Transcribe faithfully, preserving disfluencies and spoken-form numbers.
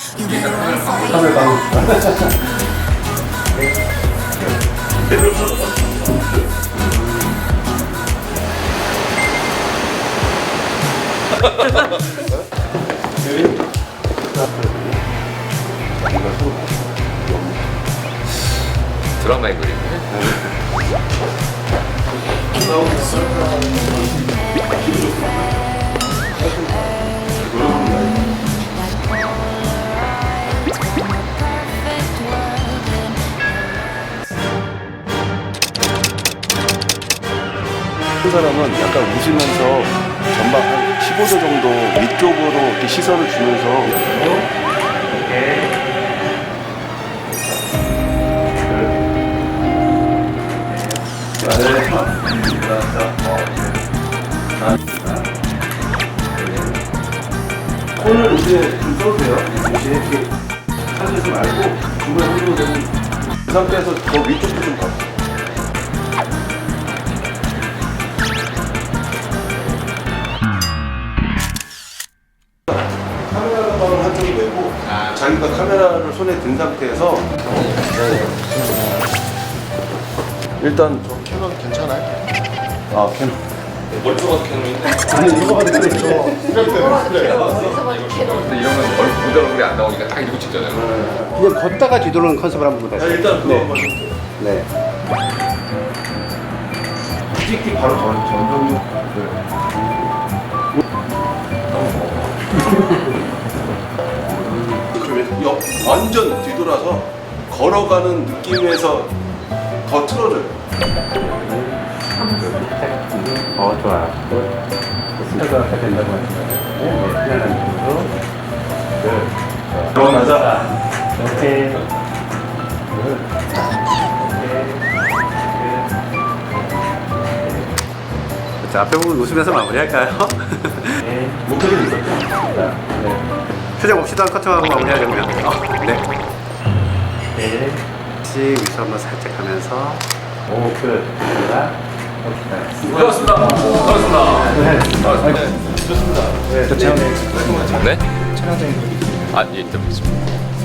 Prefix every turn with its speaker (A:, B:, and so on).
A: 카메라 가고
B: 드라마의 그림이네.
A: 한 사람은 약간 웃으면서 전방 한 십오 도 정도 위쪽으로 이렇게 시선을 주면서 손을 이제 좀 써주세요. 이렇게 이렇게 하지 말고 중간 흔들어 되면 그 상태에서 더 위쪽도 좀 가. 카메라 가방을 한쪽에 메고 자기가 카메라를 손에 든 상태에서 일단
C: 저 캐논 괜찮아요?
A: 아 캐논
B: 멀쩡한 캐논인데.
A: 아니 이거 봐도 그래 저
B: 근데 이러면 얼, 모델 얼굴이 안 나오니까 딱 이러고 찍잖아요.
D: 그냥 걷다가 뒤돌아오는 컨셉을 한번
A: 자,
D: 보세요.
A: 일단 그거 한번
D: 네.
A: 찍기 바로 전 전정 그러면 옆 완전 뒤돌아서 걸어가는 느낌에서 더 틀어줘요.
D: 어, 좋아요. 스타가 된다고 하시잖아요. 네, 편안한 쪽으로. 그,
A: 들어가자.
D: 이렇게. 자, 앞에 보고 웃으면서 마무리할까요? 네.
A: 목표를 있었죠.
D: 자, 네. 표정 없이도 한 커팅하고 마무리하려고요. 어, 네. 네. 씩 위로 한번 살짝 가면서. 오, 끝. 자, 봅시다.
B: 수고하셨습니다. 수고하셨습니다.
D: 네. 좋죠.
B: 네? 촬영장에 아, 예, 일단 있습니다.